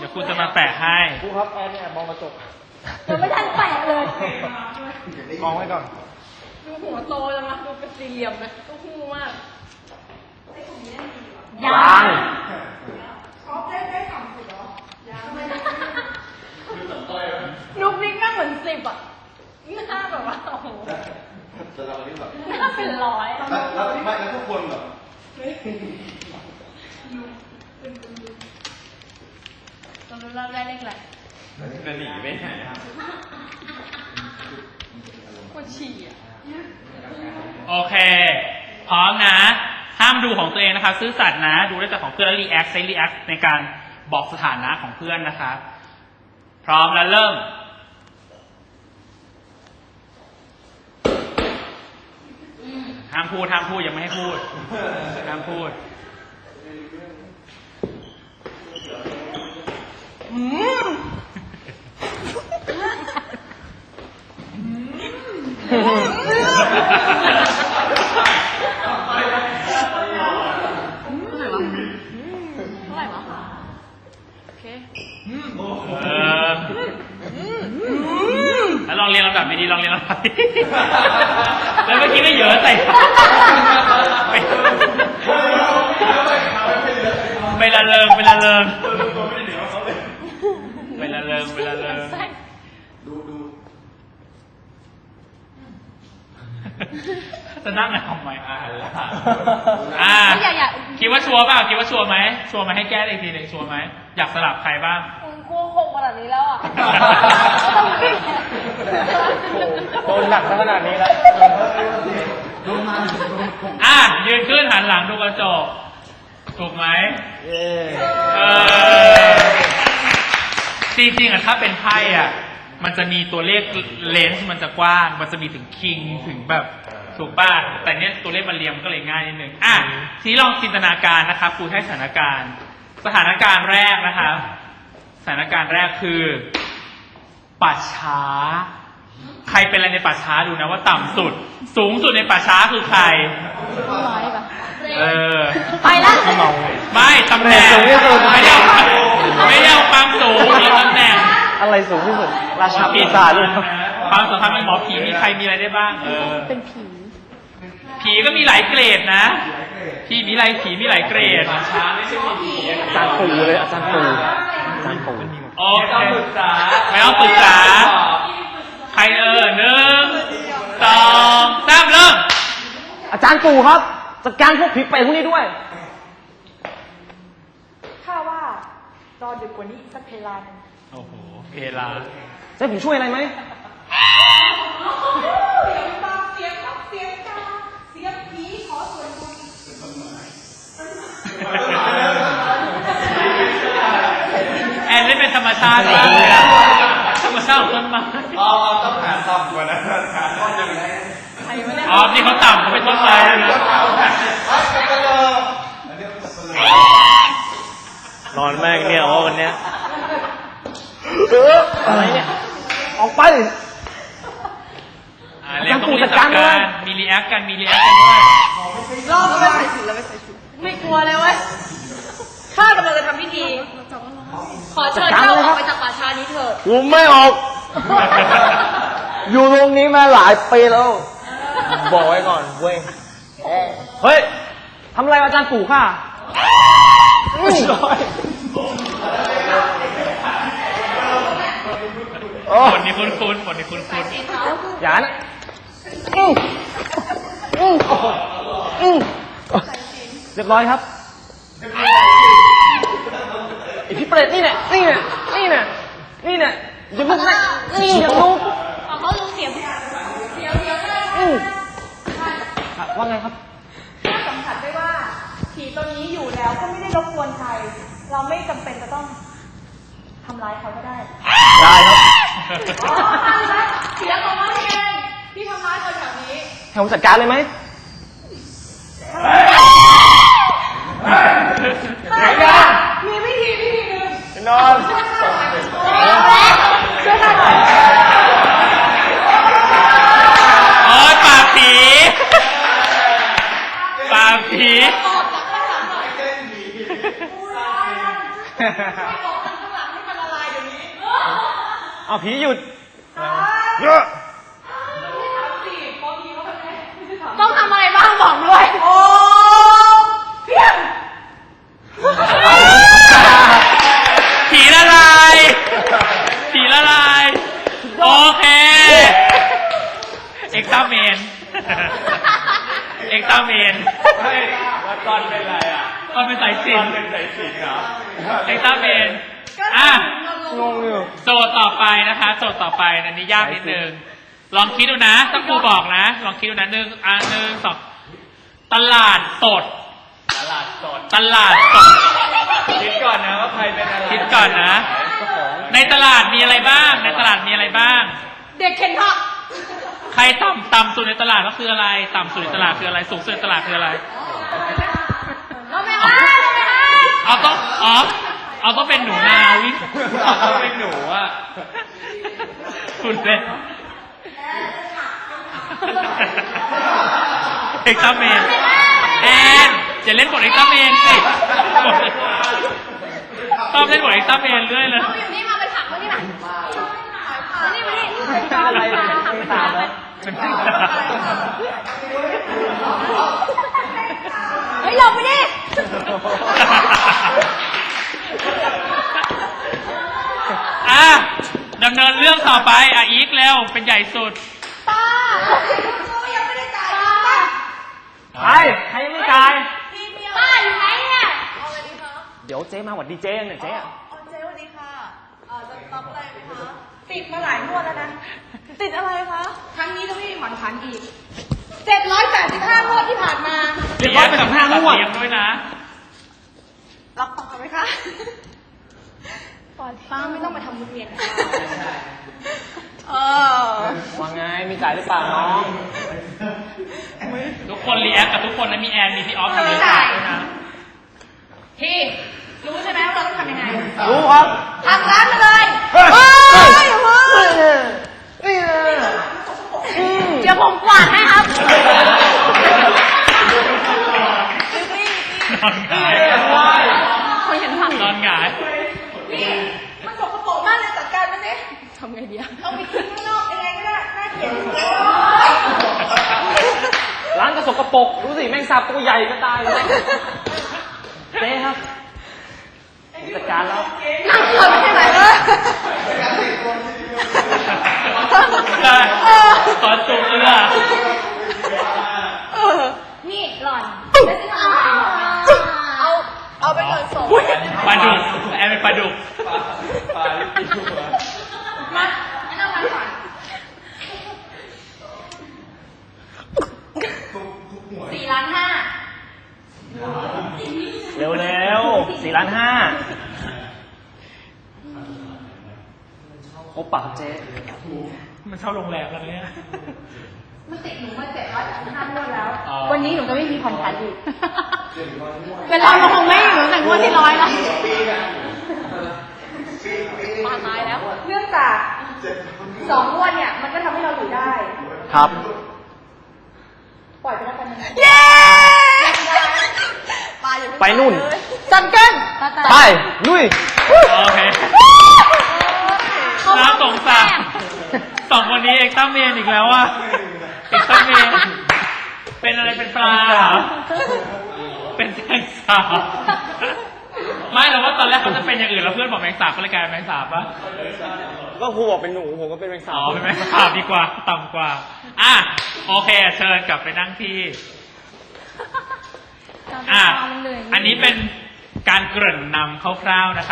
ดี๋ยวคุณจะมาแปะให้ครูครับแอนเนี่ยมองกระจกยังไม่ทันแปะเลยมองไว้ก่อนดูหัวโตจังนะดูเป็นสี่เหลี่ยมเลยต้องหูมากยังนุกนี่ก็เหมือน10อ่ะนี่หน้าแบบว่าโอ้โหจะเราที่แบบหน้าเป็นร้อยแล้วไม่แล้วทุกคนแบบเรารู้เราได้เลขอะไรจะหนีไปไหนครับปวดฉี่อ่ะโอเคพร้อมนะห้ามดูของตัวเองนะคะซื่อสัตย์นะดูได้แต่ของเพื่อนแล้วรีแอคใช้รีแอคในการบอกสถานะของเพื่อนนะคะพร้อมแล้วเริ่มห้ามพูดยังไม่ให้พูดห้ามพูดเท่าไหร่วะโอเคแล้วลองเรียนลำดับดีๆลองเรียนลำดับดีแล้วเมื่อกี้ไม่เยอะใส่ไปละเริงดูจะนั่งทำไมคิดว่าชัวร์เปล่าคิดว่าชัวร์ไหมให้แก้อีกทีหนึ่งชัวร์ไหมอยากสลับใครบ้างกลัวหกขนาดนี้แล้วอ่ะโดนหนักขนาดนี้แล้วยืนขึ้นหันหลังดูกระจกถูกไหมจริงๆถ้าเป็นไพ่มันจะมีตัวเลขเลนส์มันจะกว้างมันจะมีถึงคิงถึงแบบถูกป่ะแต่เนี้ยตัวเลขมันเรียงก็เลยง่ายนิดนึงทีนี้ลองจินตนาการนะครับครูให้สถานการณ์แรกนะครับสถานการณ์แรกคือป่าช้าใครเป็นอะไรในป่าช้าดูนะว่าต่ำสุดสูงสุดในป่าช้าคือใครไปแล้วไม่ตำแหน่งไม่ได้เอาความสูงเอาตำแหน่งอะไรสูงที่สุดราชาปีศาจเลยความสัมพันธ์กับหมอผีมีใครมีอะไรได้บ้างเป็นผีก็มีหลายเกรดนะผีมีหลายเกรดช้าไม่ใช่ผีอาจารย์ปู่เลยอาจารย์ปู่โอเคไม่ต้องปรึกษาใคร1 2 3เริ่มอาจารย์ปู่ครับจัดการพวกผีเปรตพวกนี้ด้วยข้าว่ารอดึกกว่านี้สักเพลานึงโอ้โหเพลาจะผมช่วยอะไรไหมเสียงผีขอส่วนบุญแอนเล่นเป็นธรรมชาติมากเลยธรรมชาติของต้นไม้ต้องหาต่ำกว่านั้นนี่เขาต่ำเขาเป็นต้นไม้นะนอนแม่งเนี่ยวันเนี้ยอะไรเนี่ยออกไปเรียกต้องจัดการมีรีแอคกันด้วยรอบไม่ใส่ชุดแล้วไม่ใส่ชุดไม่กลัวเลยเว้ยข้ากำลังจะทำพิธีขอเชิญเจ้าออกไปจากป่าช้านี้เถิดกูไม่ออกอยู่ตรงนี้มาหลายปีแล้วบอกไว้ก่อนเว้ยเฮ้ยทำอะไรอาจารย์ปู่ข้าคนนี้คุ้นอย่านะเรียบร้อยครับไอพี่เปรตนี่เนี่ยอย่าลุกนะอย่าลุกเขาลุกเสียงว่าไงครับสัมผัสได้ว่าผีตัวนี้อยู่แล้วก็ไม่ได้รบกวนใครเราไม่จำเป็นจะต้องทำร้ายเขาก็ได้ครับเสียงของมันเองที่ทำร้ายคนแบบนี้ให้ผมจัดการเลยไหมมีวิธีหนึ่งนอนช่วยข้าหน่อยปากผีไม่บอกข้างหลังให้เอาผีหยุดต้องทำอะไรบ้างบอกด้วยโอ้เพียงผีละลาย ผีละลาย โอเค เอ็กซ์ตร้าเมน เอ็กซ์ตร้าเมนเฮ้ยแล้วตอนเป็นไรอ่ะมันเป็นสายสิตญอนจน์เป็นสายสิญจน์เหรอเอ็กซ์ตร้าเมน อ่ะงงอยู่โจทย์ต่อไปนะคะ โจทย์ต่อไปอันนี้ยากนิดนึง ลองคิดดูนะถ้าครูบอกนะ ลองคิดดูนะหนึ่งสองตลาดสดตลาดสดตลาดสดคิดก่อนนะว่าใครเป็นอะไรคิดก่อนนะ ในตลาดมีอะไรบ้าง ในตลาดมีอะไรบ้างเด็กเข็นผักใครต่ำสุดในตลาดก็คืออะไร ต่ำสุดในตลาดคืออะไร สูงสุดในตลาดคืออะไรเราไม่ให้เราไม่ให้เอาต้องเป็นหนูนาวิ่งต้องเป็นหนูอ่ะคุณเป็นเอ็กซ์ตร้าเมนแอนจะเล่นบทเอ็กซ์ตร้าเมนสิชอบเล่นบทเอ็กซ์ตร้าเมนเรื่อยเลยเราอยู่นี่มาเป็นผักมานี่มานี่มานี่อะไรเนี่ยเป็นตามแล้วเป็นพี่เฮ้ยหลบไปดิอ่ะดำเนินเรื่องต่อไปอ่ะอีกเร็วเป็นใหญ่สุดป้ายังไม่ได้จ่ายป้าใครยังไม่จ่ายป้าอยู่ไหนเนี่ยเดี๋ยวเจ๊มาหวัดดีเจ๊เนี่ยเจ๊อะเจ๊สวัสดีค่ะจะรับอะไรไหมคะติดมาหลายงวดแล้วนะ ติดอะไรคะ ครั้งนี้จะไม่มีผ่อนผันอีก 785 งวดที่ผ่านมาเลี้ยงกับ5 งวดเลี้ยงด้วยนะรับต่อไหมคะป้าไม่ต้องมาทำบุญเวียนค่ะว่าไงมีจ่ายหรือเปล่าน้องทุกคนรีแอคกับทุกคนนะมีแอนมีพี่ออฟทำรีแอคด้วยนะพี่รู้ใช่ไหมว่าเราต้องทำยังไงรู้ครับทำร้านมาเลยเฮ้ยนี่เดี๋ยวผมกวาดให้ครับนอนหงายคนเห็นผักนอนหงายนี่มันสกปรกมากเลยจัดการมันสิทำไงดีอะเอาไปทิ้งข้างนอกยังไงก็ได้น่าเกลียดร้านก็สกปรกดูสิแมงสาบตัวใหญ่ก็ตายเลยเจ๊ครับผมจัดการแล้วนั่งคนไม่ใช่ไหมเลยใช่ตอนจูบเรือนี่หล่อนเอาไปก่อนส่งปลาดุกแอนเป็นปลาดุกปลาลิปิวอ่ะมาไม่ต้องมาก่อน4,500,000 เร็วๆ4,500,000โอปะครับเจ๊มันเช่าโรงแรมแล้วเนี่ยมันติดหนูมา785 งวดแล้วอ๋อวันนี้หนูก็ไม่มีผ่อนผันอีกเป็นเราคงไม่อยู่ตั้งแต่งวดที่100แล้วปาตายแล้ว เนื่องจาก2 งวดเนี่ย มันก็ทำให้เราอยู่ได้ครับปล่อยไปแล้วกันนะเย้ไปนู่นจันเกินไปลุยโอเคน่าสงสารสองคนนี้เอ็กซ์ตร้าเมนอีกแล้วอ่ะเอ็กซ์ตร้าเมนเป็นอะไรเป็นปลาเหรอเป็นแมงสาบไม่หรอกว่าตอนแรกเขาจะเป็นอย่างอื่นแล้วเพื่อนบอกแมงสาบก็เลยกลายเป็นแมงสาบปะก็ครูบอกเป็นหนูผมก็เป็นแมงสาอ๋บอเป็นแมงสาบดีกว่าต่ำกว่าอ่ะโอเคเชิญกลับไปนั่งที่อันนี้เป็นการเกริ่นนำคร่าวๆนะคะ